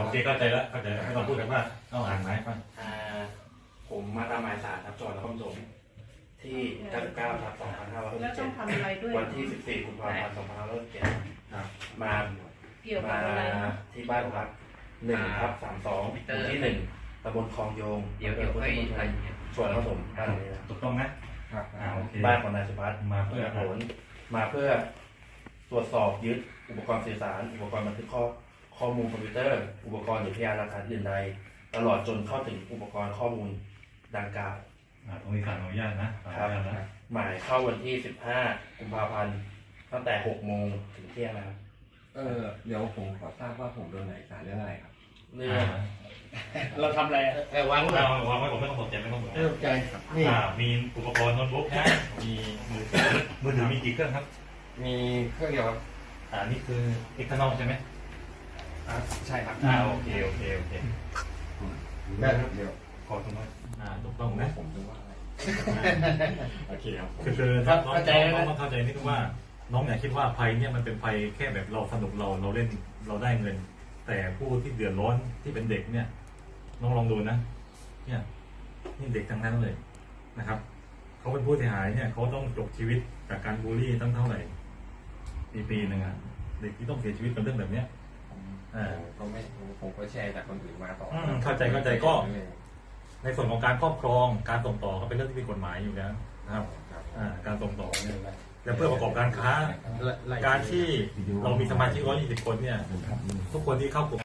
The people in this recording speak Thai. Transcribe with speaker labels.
Speaker 1: เคเข้าใจแล้วไม่ต้องพูดกันว่าต้องอ่านหมายฟัง
Speaker 2: ผมมาตามหมายสารครับจังหวัดนครปฐมที่99ทับ
Speaker 3: แล้วต้องทำอะไรด้วย
Speaker 2: 2567วันที่14กุมภาพันธ์2567มา
Speaker 3: เกี่ยวกับอะไรนะ
Speaker 2: ที่บ้านพัก1/32หมู่ที่1ตำบลคลองโยง
Speaker 4: เดี๋ยวค่อยไป
Speaker 2: จังหวัดนครปฐมบ้านนี้นะ
Speaker 1: ถูกต้องนะ โอเค
Speaker 2: บ้านของนายสุภัส
Speaker 1: มาเพื่อ
Speaker 2: ผลมาเพื่อตรวจสอบยึดอุปกรณ์สื่อสารอุปกรณ์บันทึกข้อมูลคอมพิวเตอร์ อุปกรณ์หรือพยานหลักฐานอื่นใดตลอดจนเข้าถึงอุปกรณ์ข้อมูลดังกล่าว
Speaker 1: ตรงนี้สั่งอนุญาตนะ
Speaker 2: หมายเข้าวันที่15กุมภาพันธ์ตั้งแต่6โมงถึงเที่ยงนะครับ
Speaker 5: เดี๋ยวผมขอทราบว่าผมโดนไหนสารเรื่องอะไรครับ
Speaker 2: เรื่อง
Speaker 4: เราทำอะไรวาง
Speaker 1: วางไว้ผมไม่ต้องสนใจไม่ต้องสนใจ
Speaker 4: ไม่ตกใจนี่
Speaker 1: มีอุปกรณ์โน้ตบุ๊กนะมีมือถือมีกี่เครื่องครับ
Speaker 5: มีเครื่องเดียวครับ
Speaker 1: นี่คือเอ็กซ์เทอร์นอลใช่ไหม
Speaker 5: ใช่ครับ
Speaker 1: โอเค
Speaker 5: เดี๋ยว
Speaker 1: ขอตรงนั้นถูกต้องนะ
Speaker 5: ผมจะว่าอะไร
Speaker 1: โอเคครับคือน้องต้องเข้าใจนิดนึงว่าน้องอย่าคิดว่าภัยเนี่ยมันเป็นภัยแค่แบบเราสนุกเราเล่นเราได้เงิน แต่ผู้ที่เดือดร้อนที่เป็นเด็กเนี่ยน้องลองดูนะเนี่ยนี่เด็กทั้งนั้นเลยนะครับเขาเป็นผู้เสียหายเนี่ยเขาต้องจบชีวิตจากการบูลลี่ตั้งเท่าไหร่ปีหนึ่งเด็กที่ต้องเสียชีวิตเป็นเรื่องแบบเนี้ย
Speaker 5: ผมก็แชร์จากคนอื่นมาต่อ
Speaker 1: เข้าใจก็ในส่วนของการครอบครองการส่งต่อก็เป็นเรื่องที่มีกฎหมายอยู่แล้วนะครับการส่งต่อเนี่ยและเพื่อประกอบการค้าการที่เรามีสมาชิก120 คนเนี่ยทุกคนที่เข้ากลุ่ม